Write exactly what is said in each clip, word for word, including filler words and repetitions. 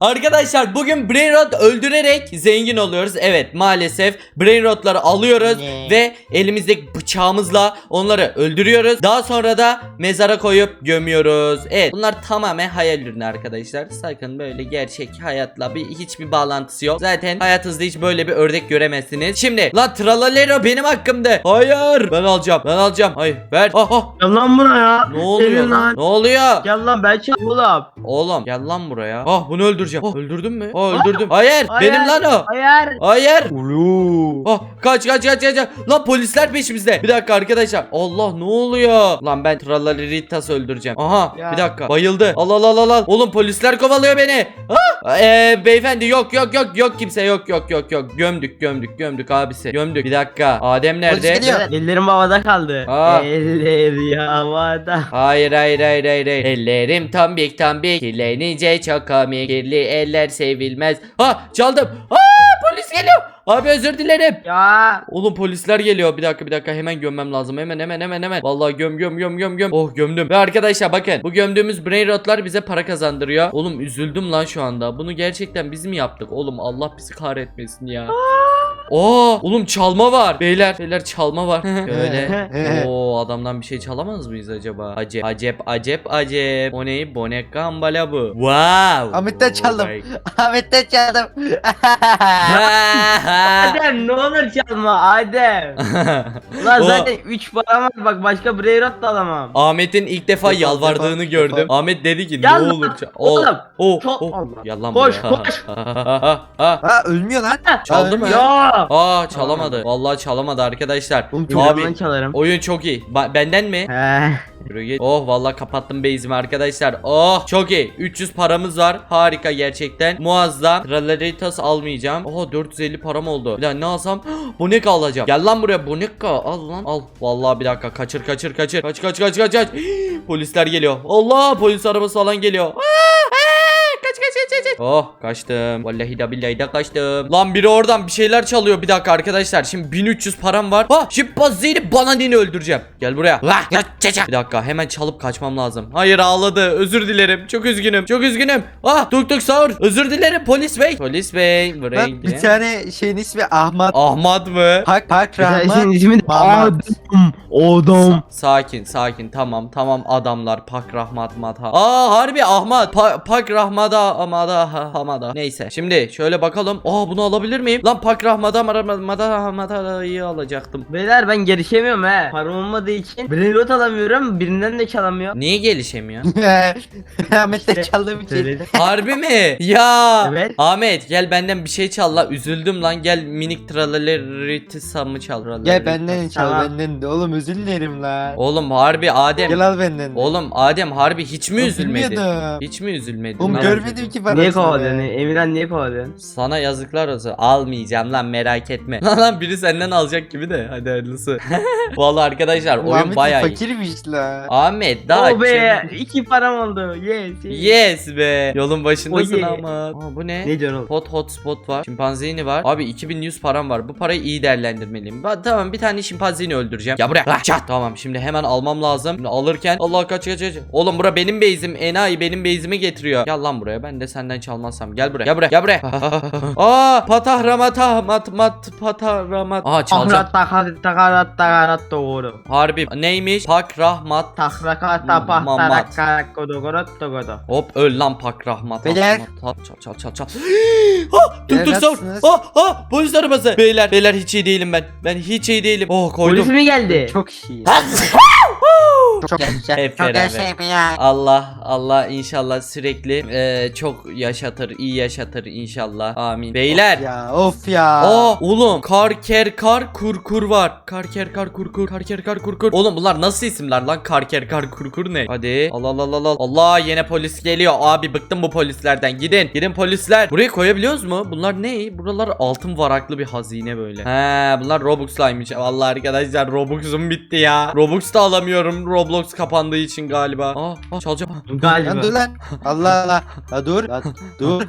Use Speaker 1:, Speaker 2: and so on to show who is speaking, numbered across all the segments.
Speaker 1: Arkadaşlar bugün Brainrot öldürerek zengin oluyoruz. Evet, maalesef Brainrot'ları alıyoruz
Speaker 2: Ne?
Speaker 1: ve elimizdeki bıçağımızla onları öldürüyoruz. Daha sonra da mezara koyup gömüyoruz. Evet, bunlar tamamen hayal ürünü arkadaşlar. Sakın böyle gerçek hayatla bir hiçbir bağlantısı yok. Zaten hayatınızda hiç böyle bir ördek göremezsiniz. Şimdi lan Tralalero benim hakkımda. Hayır, ben alacağım. Ben alacağım. Hayır, ver. Ah ah.
Speaker 2: Gel lan buraya.
Speaker 1: Ne oluyor
Speaker 2: Gelin
Speaker 1: lan? Ne oluyor?
Speaker 2: Gel lan ben çal oğlum.
Speaker 1: Oğlum gel lan buraya. Ah, bunu öldüreceğim. Oh, öldürdün mü? Oh, öldürdüm. Hayır,
Speaker 2: Hayır.
Speaker 1: benim lan o.
Speaker 2: Hayır.
Speaker 1: Hayır.
Speaker 2: Ulu.
Speaker 1: Oh, kaç kaç kaç kaç. Lan polisler peşimizde. Bir dakika arkadaşlar. Allah, ne oluyor? Lan ben Tralaleritas'ı öldüreceğim. Aha,
Speaker 2: Ya.
Speaker 1: bir dakika. Bayıldı. Al al al al al. Oğlum polisler kovalıyor beni. Ah! Ee, beyefendi yok yok yok yok kimse yok yok yok yok. Gömdük gömdük gömdük abisi. Gömdük. Bir dakika. Adem nerede?
Speaker 3: Polis geliyor.
Speaker 2: Ellerim havada kaldı.
Speaker 1: Aa.
Speaker 2: Eller havada.
Speaker 1: Hayır hayır hayır hayır hayır. Ellerim tombik tombik, kirlenince çok komik. Kirli eller sevilmez. Ha, çaldım. Aa, polis geliyor. Abi özür dilerim.
Speaker 2: Ya.
Speaker 1: Oğlum polisler geliyor. Bir dakika bir dakika, hemen gömmem lazım. Hemen hemen hemen hemen. Vallahi göm göm göm göm göm. Oh, gömdüm. Ve arkadaşlar bakın, bu gömdüğümüz Brainrot'lar bize para kazandırıyor. Oğlum üzüldüm lan şu anda. Bunu gerçekten biz mi yaptık? Oğlum Allah bizi kahretmesin ya. Oo, oğlum çalma var. Beyler, beyler çalma var. Böyle. Oo, adamdan bir şey çalamaz mıyız acaba? Acep, acep, acep, acep. O ne? Bonek gambala bu. Wow.
Speaker 3: Ahmet'ten çaldım.
Speaker 1: Oh my-
Speaker 3: Ahmet'ten çaldım.
Speaker 2: Adem ne olur çalma Adem. Ulan
Speaker 1: O-
Speaker 2: zaten üç param var, bak başka Brainrot da alamam.
Speaker 1: Ahmet'in ilk defa
Speaker 3: Defa,
Speaker 1: yalvardığını
Speaker 3: defa,
Speaker 1: gördüm.
Speaker 3: defa.
Speaker 1: Ahmet dedi ki
Speaker 2: Gel
Speaker 1: ne
Speaker 2: lan,
Speaker 1: olur ça-
Speaker 2: oğlum.
Speaker 1: Oh,
Speaker 2: Çok-
Speaker 1: oh.
Speaker 2: Allah.
Speaker 1: Gel lan
Speaker 2: Koş,
Speaker 1: buraya.
Speaker 2: koş.
Speaker 1: Ha,
Speaker 3: Ha ölmüyor lan.
Speaker 1: Çaldı
Speaker 3: Ha,
Speaker 1: mı?
Speaker 3: ölmüyor.
Speaker 2: Ya.
Speaker 1: Aa, çalamadı. Vallahi çalamadı arkadaşlar.
Speaker 3: Oğlum,
Speaker 2: Abi.
Speaker 1: Abi
Speaker 2: çalarım.
Speaker 1: oyun çok iyi. Ba- benden mi?
Speaker 2: He.
Speaker 1: Yürü git. Oh, vallahi kapattım base'imi arkadaşlar. Oh, çok iyi. üç yüz paramız var. Harika gerçekten. Muazzam. Traleritas almayacağım. Oha, dört yüz elli param oldu. Bir daha ne alsam? Boneka alacağım. Gel lan buraya boneka. Al lan. Al. Vallahi bir dakika. Kaçır kaçır kaçır. Kaç kaç kaç kaç kaç. Polisler geliyor. Allah, polis arabası falan geliyor. Aa, aa, kaç kaç kaç kaç. Oh, kaçtım. Vallahi da billahi de kaçtım. Lan biri oradan bir şeyler çalıyor. Bir dakika arkadaşlar. Şimdi bin üç yüz param var. Ha, şimdi Bazzi'yi bananini öldüreceğim. Gel buraya. Vah, ya, çeçe. Bir dakika, hemen çalıp kaçmam lazım. Hayır, ağladı. Özür dilerim. Çok üzgünüm. Çok üzgünüm. Ah, tuk tuk sağır. Özür dilerim polis bey. Polis bey. Buraya
Speaker 3: Lan
Speaker 1: gidelim.
Speaker 3: bir tane şeyin ismi Ahmet.
Speaker 1: Ahmet mı?
Speaker 3: Pak Pak
Speaker 2: Senin
Speaker 3: Rahman.
Speaker 2: ismin
Speaker 3: Mahmut.
Speaker 2: Adam. Adam.
Speaker 1: Sakin sakin, tamam tamam adamlar. Pak Rahmat Madha. Aa, harbi Ahmet. Pa- Pak Rahmada Amada ha- Hamada. Neyse, şimdi şöyle bakalım. Aa, bunu alabilir miyim? Lan Pak Rahmada Mada Hamada'yı alacaktım.
Speaker 2: Beyler ben gelişemiyorum he. Param olmadığı için Brainrot alamıyorum. Birinden de çalamıyor.
Speaker 1: Niye gelişemiyor?
Speaker 3: Ahmet'ten
Speaker 2: İşte
Speaker 3: çaldığım için.
Speaker 2: söyledim.
Speaker 1: Harbi mi? Ya.
Speaker 2: Evet.
Speaker 1: Ahmet gel benden bir şey çal la. Üzüldüm lan. Gel minik tralaleritisa çal.
Speaker 3: Gel benden çal
Speaker 2: Tamam.
Speaker 3: benden de. Oğlum özür dilerim la.
Speaker 1: Oğlum harbi Adem.
Speaker 3: Gel al benden de.
Speaker 1: Oğlum Adem harbi hiç mi
Speaker 3: Oğlum,
Speaker 1: üzülmedin?
Speaker 3: bilmiyordum.
Speaker 1: Hiç mi üzülmedin?
Speaker 3: Oğlum
Speaker 1: lan?
Speaker 3: görmedim ki parasını.
Speaker 2: Niye kovalıyorsun?
Speaker 3: be.
Speaker 2: Emirhan niye kovalıyorsun?
Speaker 1: Sana yazıklar olsun. Almayacağım lan, merak etme. Lan lan, biri senden alacak gibi de. Hadi hayırlısı. Vallahi arkadaşlar
Speaker 3: Oğlum,
Speaker 1: oyun
Speaker 3: Ahmet
Speaker 1: bayağı iyi.
Speaker 3: fakirmiş la.
Speaker 1: Ahmet daha
Speaker 2: Oh be,
Speaker 1: kim-
Speaker 2: iki param oldu. Yes. yes.
Speaker 1: Yes be. Yolun başındasın
Speaker 2: Oh yeah.
Speaker 1: ama. Aa, bu ne?
Speaker 2: Ne diyorsun oğlum?
Speaker 1: Hot hotspot var. Şimpanzini var. Abi iki bin yüz param var. Bu parayı iyi değerlendirmeliyim. Ba- tamam, bir tane şimpanzini öldüreceğim. Ya buraya. Ah, çat. Tamam, şimdi hemen almam lazım. Şimdi alırken Allah kaç kaç kaç. Oğlum bura benim base'im. Enayi benim base'imi getiriyor. Gel lan buraya. Ben de senden çalmazsam. Gel buraya. Gel buraya. Gel buraya. Aa, patahramata mat mat patahramat. Aa, çalacağım.
Speaker 2: Ahrat takarat takarat takarat doğru.
Speaker 1: Harbi neymiş? Pak rahmat.
Speaker 2: Takraka
Speaker 1: Mamat.
Speaker 2: tapah tarak kodo kodo kodo.
Speaker 1: Hop, öl lan Pak rahmat.
Speaker 3: Beyler.
Speaker 1: Çal çal çal çal. Ha, tuk tuk
Speaker 3: Beyler,
Speaker 1: sor.
Speaker 3: nasılsınız?
Speaker 1: Ha ha, polis arabası. Beyler beyler, hiç iyi değilim ben. Ben hiç iyi değilim. Oh, koydum.
Speaker 2: Polis mi geldi?
Speaker 3: Çok iyi. Çok yaşa.
Speaker 1: Hep
Speaker 3: Çok
Speaker 1: beraber.
Speaker 3: yaşa ya.
Speaker 1: Allah Allah inşallah sürekli eee, çok yaşatır, iyi yaşatır inşallah. Amin. Beyler.
Speaker 3: Ya of ya.
Speaker 1: Aa, oğlum kar ker kar kur kur var. Kar ker kar kur kur. Kar ker kar kur kur. Oğlum bunlar nasıl isimler lan? Kar ker kar kur kur ne? Hadi. Allah Allah Allah Allah. Allah, yine polis geliyor. Abi bıktım bu polislerden. Gidin. Gidin polisler. Buraya koyabiliyoruz mu? Bunlar ne? Buralar altın varaklı bir hazine böyle. He, bunlar Robux'laymış. Vallahi arkadaşlar Robux'um bitti ya. Robux da alamıyorum. Robux Roblox kapandığı için galiba. Aa, aa çalacağım.
Speaker 2: Galiba.
Speaker 3: Lan dur lan. Allah Allah. La dur. La dur.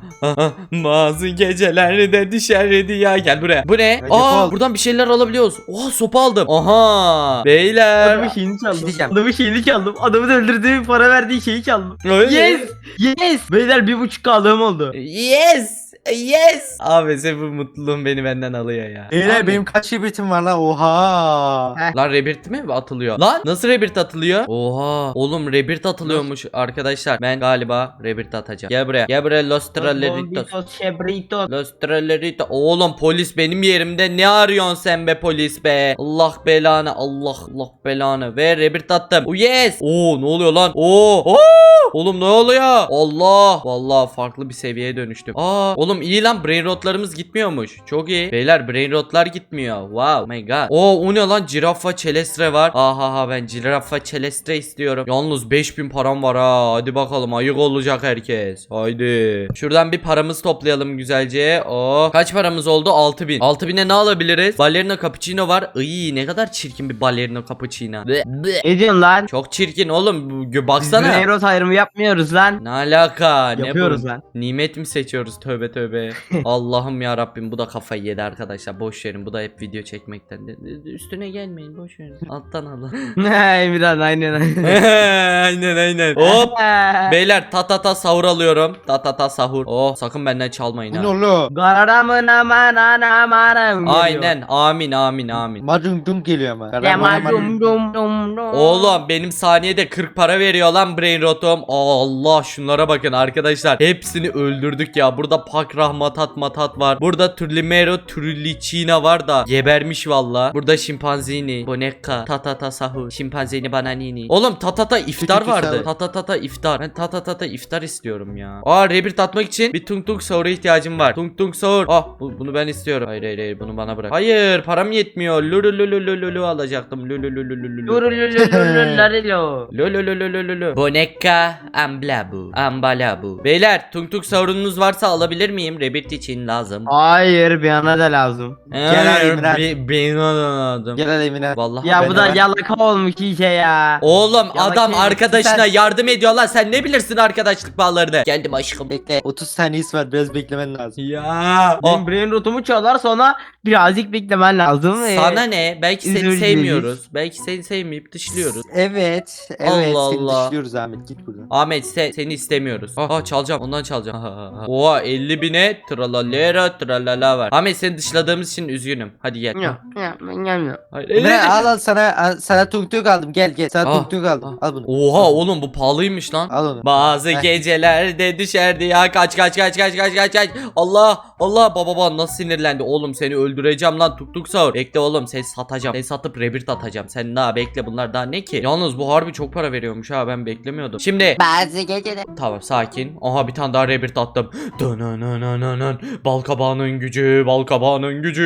Speaker 1: Bazı gecelerde düşerdi ya. Gel buraya. Bu ne?
Speaker 3: Ya,
Speaker 1: Aa,
Speaker 3: yapalım.
Speaker 1: buradan bir şeyler alabiliyoruz. Oha, sopa aldım. Aha. Beyler.
Speaker 2: Adamın şeyini çaldım.
Speaker 3: şey diyeceğim.
Speaker 2: Adamın şeyini çaldım. Adamın öldürdüğü para verdiği şeyi çaldım.
Speaker 1: Öyle.
Speaker 2: Yes. Yes. Beyler bir buçuk aldığım oldu.
Speaker 1: Yes. Yes. Abi sen bu mutluluğun beni benden alıyor ya.
Speaker 3: Beyler
Speaker 1: Abi.
Speaker 3: benim kaç şibitim var lan? Oha.
Speaker 2: Heh.
Speaker 1: Lan rebirth mi atılıyor? Lan nasıl rebirth atılıyor? Oha. Oğlum rebirth atılıyormuş arkadaşlar. Ben galiba rebirth atacağım. Gel buraya. Gel buraya Los Tralleritos.
Speaker 2: Bombitos, Chebritos.
Speaker 1: Los Tralleritos. Oğlum polis benim yerimde. Ne arıyorsun sen be polis be? Allah belanı. Allah Allah belanı. Ve rebirth attım. Oh yes. Oo ne oluyor lan? Oo. Oo. Oğlum ne oluyor? Allah. Vallahi farklı bir seviyeye dönüştüm. Aa. Oğlum iyi lan, brain rotlarımız gitmiyormuş. Çok iyi. Beyler brain rotlar gitmiyor. Wow. Oh my god. Oo o ne lan? Giraffa Celestre var. Aha ha ben Giraffa Celestre istiyorum. Yalnız beş bin param var ha. Hadi bakalım ayık olacak herkes. Haydi. Şuradan bir paramız toplayalım güzelce. Oo. Kaç paramız oldu? altı bin. altı bine ne alabiliriz? Ballerina cappuccino var. Iy ne kadar çirkin bir ballerina cappuccino. Bleh, bleh.
Speaker 2: Ne diyorsun lan?
Speaker 1: Çok çirkin oğlum. Bu-
Speaker 2: Biz
Speaker 1: Baksana.
Speaker 2: Neyrot ayrımı yapmıyoruz lan.
Speaker 1: Ne alaka? Ne
Speaker 2: Yapıyoruz
Speaker 1: bu?
Speaker 2: lan.
Speaker 1: Nimet mi seçiyoruz? Tövbe tövbe. Allah'ım ya Rabbim, bu da kafayı yedi arkadaşlar. Boş verin. Bu da hep video çekmekten. De- de- Üstüne gelmeyin. Boş verin. Alttan alın.
Speaker 2: Emirhan aynen aynen.
Speaker 1: aynen aynen. Hop. Beyler ta ta ta sahur alıyorum. Ta ta ta sahur. Oh sakın benden çalmayın
Speaker 3: Bu
Speaker 1: ha.
Speaker 3: ne oğlum?
Speaker 2: Gararamın aman aman aman.
Speaker 1: Aynen. Amin amin amin.
Speaker 3: Macun dum geliyor ama.
Speaker 2: Dema dum dum dum dum.
Speaker 1: Oğlum benim saniyede kırk para veriyor lan brain rotom. Allah şunlara bakın arkadaşlar. Hepsini öldürdük ya. Burada Pakrah matat matat var. Burada Turlimero Turlicina var da gebermiş valla. Burada şimpanzini, boneka, tatata sahur, şimpanzini bananini. Oğlum tatata iftar
Speaker 3: Tükürtü
Speaker 1: vardı.
Speaker 3: sahur.
Speaker 1: Tatata iftar. Ben tatata iftar istiyorum ya. Aa rebirth atmak için bir tung tung sahura ihtiyacım var. Tung tung sahur. Ah bu, bunu ben istiyorum. Hayır hayır hayır bunu bana bırak. Hayır param yetmiyor. Lulu lulu lulu lulu alacaktım. Lulu lulu lulu lulu.
Speaker 2: Lurulululululululu.
Speaker 1: Lololololololo. Boneka amblabu. Ambalabu. Beyler tung tung sorununuz varsa alabilir miyim? Rebirth için lazım.
Speaker 2: Hayır bir ana da lazım.
Speaker 3: Gel alayım lan.
Speaker 1: Be- Benim lazım.
Speaker 3: Gel hadi Emine.
Speaker 1: Vallahi
Speaker 2: Ya
Speaker 1: ben-
Speaker 2: bu da
Speaker 3: ben-
Speaker 2: yalaka olmuş iyice ya.
Speaker 1: Oğlum
Speaker 2: Yalan
Speaker 1: adam
Speaker 2: kelime.
Speaker 1: arkadaşına
Speaker 3: Sen-
Speaker 1: yardım ediyor lan. Sen ne bilirsin arkadaşlık bağlarını? Geldim aşkım.
Speaker 3: Bekle. otuz saniyesi var. Biraz beklemen lazım.
Speaker 1: Ya.
Speaker 2: Benim brain rotumu çalar sonra birazcık beklemen lazım. Ee,
Speaker 1: Sana ne? Belki seni
Speaker 2: özür
Speaker 1: sevmiyoruz. Belki seni sevmeyip dışlıyoruz.
Speaker 3: Evet. Evet.
Speaker 1: Allah
Speaker 3: Seni
Speaker 1: Allah.
Speaker 3: dışlıyoruz Ahmet. Git buradan.
Speaker 1: Ahmet se- seni istemiyoruz. Aa çalacağım, ondan çalacağım. Oha elli bine tralalera tralala var. Ahmet seni dışladığımız için üzgünüm. Hadi gel.
Speaker 2: Ya, ya, ben gelmiyorum.
Speaker 1: Hayır,
Speaker 3: Emine
Speaker 1: elli-
Speaker 3: al al sana al, sana tung tung aldım. Gel gel. Sana
Speaker 1: Ah,
Speaker 3: tung tung aldım. Al bunu.
Speaker 1: Oha oğlum bu pahalıymış lan.
Speaker 3: Al onu.
Speaker 1: Bazı
Speaker 3: Heh.
Speaker 1: gecelerde düşerdi ya, kaç kaç kaç kaç kaç kaç kaç. Allah Allah baba baba nasıl sinirlendi oğlum, seni öldüreceğim lan tuk tuk sahur. Bekle oğlum seni satacağım, seni satıp rebirth atacağım. Sen daha bekle, bunlar daha ne ki? Yalnız bu harbi çok para veriyormuş ha, ben beklemiyordum. Şimdi
Speaker 3: Bazı geceler.
Speaker 1: tamam sakin. Aha bir tane daha rebirth attım. Dönönönönönön. Bal kabağının gücü, bal kabağının gücü.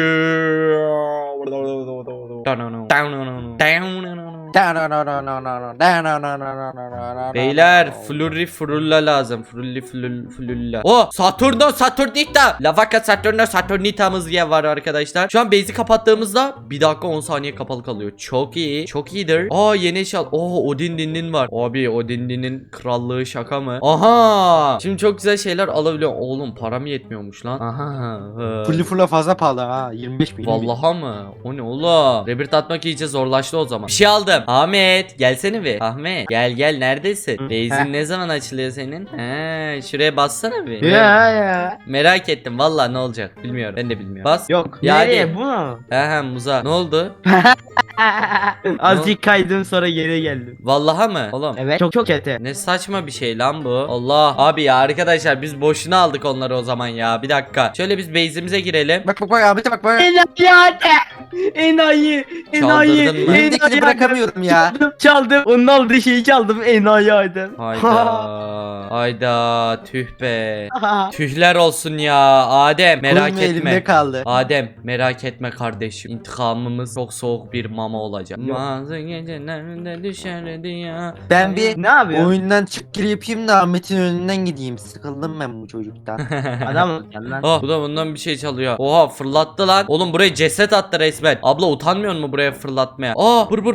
Speaker 1: Beyler flurry frulla lazım. Flurry flul flulla. O Saturno Saturnita. Lavaka Saturno Saturnita'mız diye var arkadaşlar. Şu an base'i kapattığımızda bir dakika on saniye kapalı kalıyor. Çok iyi. Çok iyidir. Aa yeni eşya. Oo Odin Din'in var. Abi Odin Din'in krallığı şaka mı? Aha. Şimdi çok güzel şeyler alabiliyorum. Oğlum param yetmiyormuş lan. Aha.
Speaker 3: Fully full'a fazla pahalı ha. yirmi beş bin.
Speaker 1: Vallaha mı? O ne oğlum? Rebirth atmak iyice zorlaştı o zaman. Bir şey aldım. Ahmet gelsene bir. Ahmet gel gel neredesin?
Speaker 2: Hı,
Speaker 1: Base'in
Speaker 2: heh.
Speaker 1: ne zaman açılıyor senin? He, şuraya bassana bir.
Speaker 2: Ya ya.
Speaker 1: Merak ettim valla ne olacak bilmiyorum. Ben de bilmiyorum. Bas.
Speaker 2: Yok.
Speaker 1: Ya
Speaker 2: Nereye
Speaker 1: hadi.
Speaker 2: bu mu?
Speaker 1: He he muza. Ne oldu?
Speaker 2: Azıcık kaydım sonra geri geldim.
Speaker 1: Vallaha mı? Oğlum.
Speaker 2: Evet. Çok çok kötü.
Speaker 1: Ne saçma bir şey lan bu. Allah. Abi ya arkadaşlar biz boşuna aldık onları o zaman ya. Bir dakika. Şöyle biz base'imize girelim.
Speaker 3: Bak bak bak Ahmet'e bak bak.
Speaker 2: Enayi hadi. Enayi. Enayi.
Speaker 1: Çaldırdın mı?
Speaker 3: Elimdekini
Speaker 2: Enayi
Speaker 3: bırakamıyorum ya.
Speaker 2: Çaldım, çaldım. Onun aldığı şeyi çaldım. Enayi hadi.
Speaker 1: Hayda. Hayda. Tüh be. Tühler olsun ya. Adem merak
Speaker 3: Kolum elimde
Speaker 1: etme.
Speaker 3: kaldı.
Speaker 1: Adem merak etme kardeşim. İntikamımız çok soğuk bir mama olacak.
Speaker 2: Yok.
Speaker 1: Bazı gecelerde düşerdi ya.
Speaker 3: Ben bir
Speaker 2: Ne yapıyorsun?
Speaker 3: oyundan çık gir yapayım da Ahmet'in önünden gideyim. Sıkıldım ben bu çocuktan.
Speaker 2: Adam ol sen lan.
Speaker 1: Oh bu da bundan bir şey çalıyor. Oha fırlattı lan. Oğlum buraya ceset attı resmen. Abla utanmıyor mu buraya fırlatmaya? Aa bır bır patapim.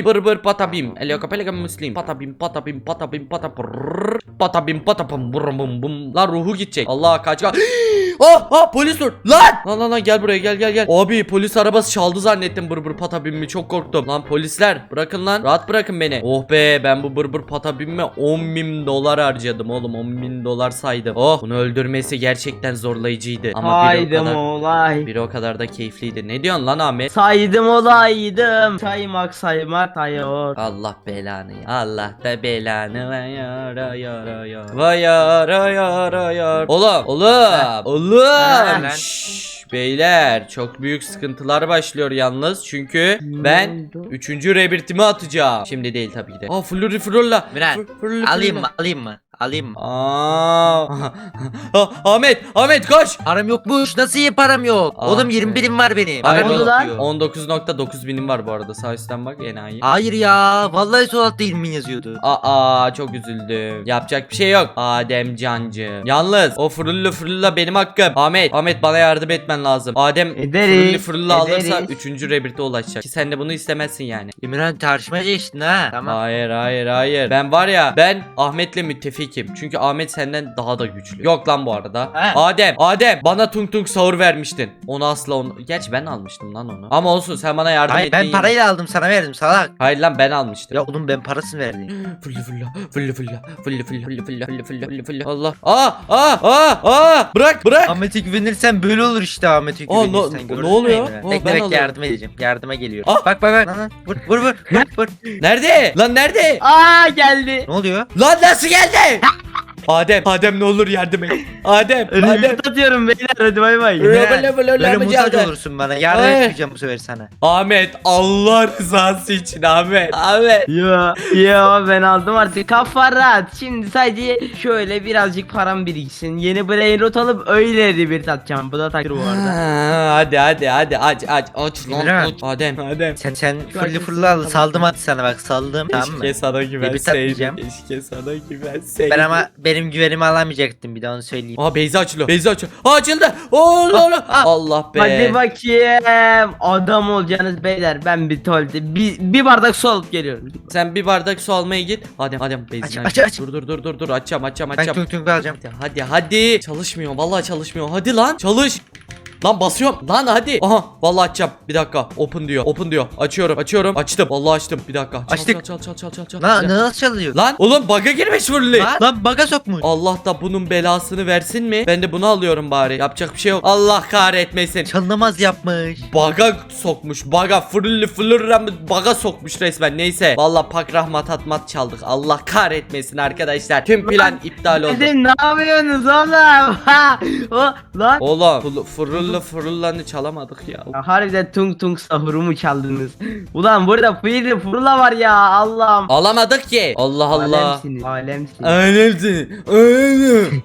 Speaker 1: muslim. Bır bır patabim. Elioka pelika muslim. Patabim patabim patabim patapır. Patabim patapım bum bum bum. Lan ruhu gidecek. Allah kaç kaç. Ah ah polis dur. Lan. Lan lan lan gel buraya gel gel gel. Abi polis arabası çaldı zannettim bır bır patabimmi, çok korktum. Lan polisler bırakın lan. Rahat bırakın beni. Oh be, ben bu bır bır patabimme on bin dolar harcadım oğlum. on bin dolar saydım. Oh, bunu öldürmesi gerçekten zorlayıcıydı. Ama biri o
Speaker 2: Saydım
Speaker 1: kadar,
Speaker 2: olay.
Speaker 1: biri o kadar da keyifliydi. Ne diyorsun lan Ahmet?
Speaker 2: Saydım olaydım. Saymak saymak sayıyor.
Speaker 1: Allah belanı ya. Allah da belanı vay yara yara yara. Vay yara yara yara. Oğlum oğlum oğlum.
Speaker 2: Ha.
Speaker 1: Şşş, beyler çok büyük sıkıntılar başlıyor yalnız. Çünkü ben üçüncü rebirtimi atacağım. Şimdi değil tabii ki de. Aa flurry frulla.
Speaker 3: Miran,
Speaker 1: Fır- fırlı
Speaker 3: Alayım
Speaker 1: fırla.
Speaker 3: mı? Alayım mı? Alayım mı?
Speaker 1: Aa. Ah, Ahmet Ahmet koş.
Speaker 3: Param yokmuş. Nasıl iyi param yok?
Speaker 1: Ah
Speaker 3: Oğlum
Speaker 1: be.
Speaker 3: yirmi birim var benim.
Speaker 1: Hayır
Speaker 3: Param
Speaker 2: oğlum.
Speaker 3: yok diyor.
Speaker 1: on dokuz nokta dokuz binim var bu arada. Sağ üstten bak enayi.
Speaker 3: Hayır ya. Vallahi sol altta yirmi bin yazıyordu.
Speaker 1: Aa çok üzüldüm. Yapacak bir şey yok. Adem cancı. Yalnız o fırıllı fırılla benim hakkım. Ahmet Ahmet bana yardım etmen lazım. Adem
Speaker 2: Ederiz,
Speaker 1: fırıllı fırılla alırsa
Speaker 2: ederiz.
Speaker 1: üçüncü rebirte ulaşacak. Ki sen de bunu istemezsin yani.
Speaker 3: İmran tartışmaya geçtin ha. Tamam.
Speaker 1: Hayır hayır hayır. Ben var ya, ben Ahmet'le müttefikim. Çünkü Ahmet senden daha da güçlü. Yok lan bu arada.
Speaker 3: He.
Speaker 1: Adem Adem bana tung tung sahur vermiştin. Onu asla onu. Gerçi ben almıştım lan onu. Ama olsun, sen bana yardım
Speaker 3: Hayır
Speaker 1: ettin.
Speaker 3: ben
Speaker 1: yine.
Speaker 3: parayla aldım sana verdim salak.
Speaker 1: Hayır lan ben almıştım.
Speaker 3: Ya oğlum ben parasını verdim.
Speaker 1: Fılla fılla fılla fılla fılla fılla fılla fılla fılla fılla fılla fılla. Allah. Aa aa aa aa bırak bırak.
Speaker 3: Ahmet'e güvenirsen böyle olur işte Ahmet'e
Speaker 1: Aa,
Speaker 3: güvenirsen.
Speaker 1: ne-
Speaker 3: gördün
Speaker 1: ne oluyor?
Speaker 3: mü?
Speaker 1: Aa,
Speaker 3: Bekle
Speaker 1: ben
Speaker 3: bekle
Speaker 1: alıyorum.
Speaker 3: yardım edeceğim. Yardıma geliyor.
Speaker 1: Ah.
Speaker 3: Bak bak bak. Lan, lan. Vur vur vur. vur, vur.
Speaker 1: Nerede? Lan nerede?
Speaker 2: Aa geldi.
Speaker 3: Ne oluyor?
Speaker 1: Lan nasıl geldi? Adem, Adem ne olur yardım et. Adem, Adem.
Speaker 2: Revit atıyorum beyler, hadi bay bay.
Speaker 1: Böyle
Speaker 3: Böyle,
Speaker 1: böyle böyle
Speaker 3: böyle
Speaker 1: yapacağız.
Speaker 3: muhtaç olursun bana. Yardım
Speaker 1: Ay.
Speaker 3: etmeyeceğim bu sefer sana.
Speaker 1: Ahmet, Allah rızası için Ahmet. Ahmet.
Speaker 2: Yo yo ben aldım artık, kafa rahat. Şimdi sadece şöyle birazcık param biriksin. Yeni brain rot alıp öyle bir atacağım. Bu da takdir bu arada.
Speaker 1: Ha, hadi hadi hadi aç aç aç lan
Speaker 3: İmran.
Speaker 1: aç. Adem, Adem.
Speaker 3: Sen sen fırlı
Speaker 2: Herkes-
Speaker 3: fırlı al. Saldım hadi sana bak saldım. Tamam mı?
Speaker 1: Keşke sana güvenseydim.
Speaker 3: atmayacağım.
Speaker 1: Keşke sana güvenseydim.
Speaker 3: Ben ama benim güvenimi alamayacaktım bir daha onu söyleyeyim.
Speaker 1: Aa Beyza açılıyor. Beyza açılıyor. Aa, açıldı. Allah Allah. Allah be.
Speaker 2: Hadi bakayım. Adam olacaksınız beyler. Ben bir tuvalete bir, bir bardak su alıp geliyorum.
Speaker 1: Sen bir bardak su almaya git. Adem, Adem Beyza'yı
Speaker 3: Aç, aç, aç.
Speaker 1: Dur dur dur dur dur açacağım açacağım
Speaker 3: Ben
Speaker 1: açacağım.
Speaker 3: tung tung alacağım.
Speaker 1: Hadi, hadi hadi. Çalışmıyor. Vallahi çalışmıyor. Hadi lan çalış. Lan basıyorum. Lan hadi. Aha vallahi açacağım. Bir dakika. Open diyor. Open diyor. Açıyorum. Açıyorum. Açtım. Vallahi açtım. Bir dakika. Çal,
Speaker 3: Açtık.
Speaker 1: Çal çal çal çal çal.
Speaker 3: Lan
Speaker 1: Bir
Speaker 3: nasıl çalıyor?
Speaker 1: Lan oğlum bug'a girmiş fırlı.
Speaker 3: Lan, lan baga sokmuş.
Speaker 1: Allah da bunun belasını versin mi? Ben de bunu alıyorum bari. Yapacak bir şey yok. Allah kahretmesin.
Speaker 3: Çalınamaz yapmış.
Speaker 1: Baga sokmuş. Baga fırlı fırlı baga sokmuş resmen. Neyse. Vallahi pak rahmat atmat çaldık. Allah kahretmesin arkadaşlar. Tüm plan iptal oldu.
Speaker 2: Hadi ne yapıyorsunuz oğlum? Ha, o lan.
Speaker 1: Oğlum fırlı fırlı fırlanı çalamadık ya.
Speaker 2: Ya harbiden tung tung sahurumu çaldınız. Ulan burada fıydı fırla var ya, Allah'ım.
Speaker 1: Alamadık ki. Allah Allah.
Speaker 2: Alemsiniz. Alemsiniz.
Speaker 1: Alemsin. Alemsin.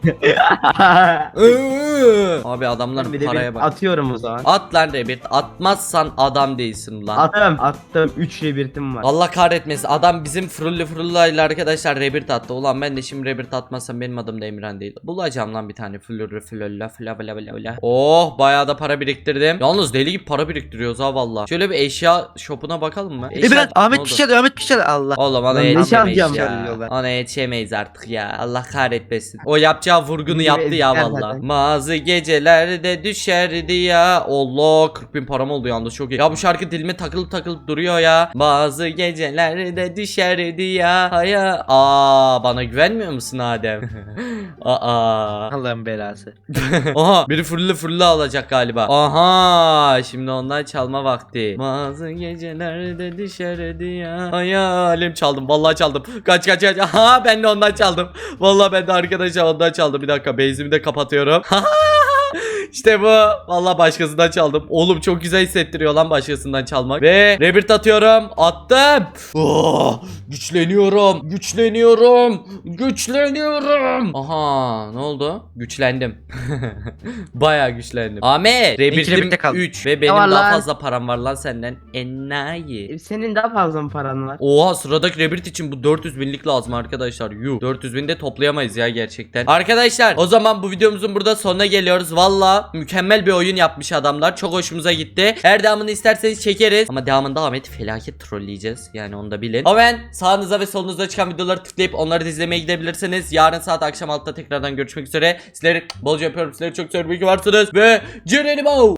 Speaker 1: Abi adamların
Speaker 2: Bir de
Speaker 1: paraya
Speaker 2: bir
Speaker 1: bak.
Speaker 2: atıyorum o zaman.
Speaker 1: At lan Rebirth. Atmazsan adam değilsin lan.
Speaker 2: Attım attım, üç rebirtim var.
Speaker 1: Allah kahretmesin. Adam bizim fırıllı fırıllayla arkadaşlar Rebirth attı. Ulan ben de şimdi Rebirth atmazsam benim adım da Emirhan değil. Bulacağım lan bir tane fırıllı fırılla fıla fıla fıla fıla. Oh bayağı da para biriktirdim. Yalnız deli gibi para biriktiriyoruz ha valla. Şöyle bir eşya shopuna bakalım mı? Eşya...
Speaker 3: İmran
Speaker 1: Ne
Speaker 3: Ahmet
Speaker 1: oldu?
Speaker 3: bir şey çalıyor Ahmet bir şey çalıyor. Allah.
Speaker 1: Oğlum ona
Speaker 2: Lan ne
Speaker 1: yetişemeyiz
Speaker 2: çalacağım?
Speaker 1: ya.
Speaker 3: Çalıyorlar.
Speaker 1: Ona yetişemeyiz artık ya. Allah kahretmesin. O yapacağı vurgunu
Speaker 2: Gibi
Speaker 1: yaptı ya
Speaker 2: ezikler
Speaker 1: valla.
Speaker 2: zaten.
Speaker 1: Bazı gecelerde düşerdi ya. Allah kırk bin param oldu yalnız çok iyi. Ya bu şarkı dilime takılıp takılıp duruyor ya. Bazı gecelerde düşerdi ya. Haya. Aa bana güvenmiyor musun Adem? Aa.
Speaker 3: Allah'ın belası.
Speaker 1: Aha biri fırlı fırlı alacak galiba. Aha şimdi ondan çalma vakti. Bazı gecelerde düşerdi ya. Hayalim çaldım. Vallahi çaldım. Kaç kaç kaç. Aha ben de ondan çaldım. Vallahi ben de arkadaşlar ondan çaldım. Bir dakika base'imi de kapatıyorum. İşte bu. Vallahi başkasından çaldım. Oğlum çok güzel hissettiriyor lan başkasından çalmak. Ve rebirth atıyorum. Attım. Oh, güçleniyorum. Güçleniyorum. Güçleniyorum. Aha ne oldu? Güçlendim. Bayağı güçlendim. Ahmet. Rebirth'im
Speaker 3: rebirth'te kaldı.
Speaker 1: üç. Ve benim
Speaker 2: var
Speaker 1: daha
Speaker 2: lan?
Speaker 1: fazla param var lan senden. Enayi.
Speaker 2: Senin daha fazla mı paran var?
Speaker 1: Oha sıradaki rebirth için bu dört yüz binlik lazım arkadaşlar. Yuh. dört yüz bin de toplayamayız ya gerçekten. Arkadaşlar o zaman bu videomuzun burada sonuna geliyoruz. Valla Valla mükemmel bir oyun yapmış adamlar. Çok hoşumuza gitti. Eğer devamını isterseniz çekeriz. Ama devamında Ahmet'i felaket trolleyeceğiz. Yani onu da bilin. Ama ben sağınıza ve solunuza çıkan videoları tıklayıp onları da izlemeye gidebilirsiniz. Yarın saat akşam altıda tekrardan görüşmek üzere. Sizleri bolca öpüyorum. Sizleri çok seviyorum. İyi ki varsınız. Ve Cerenimo.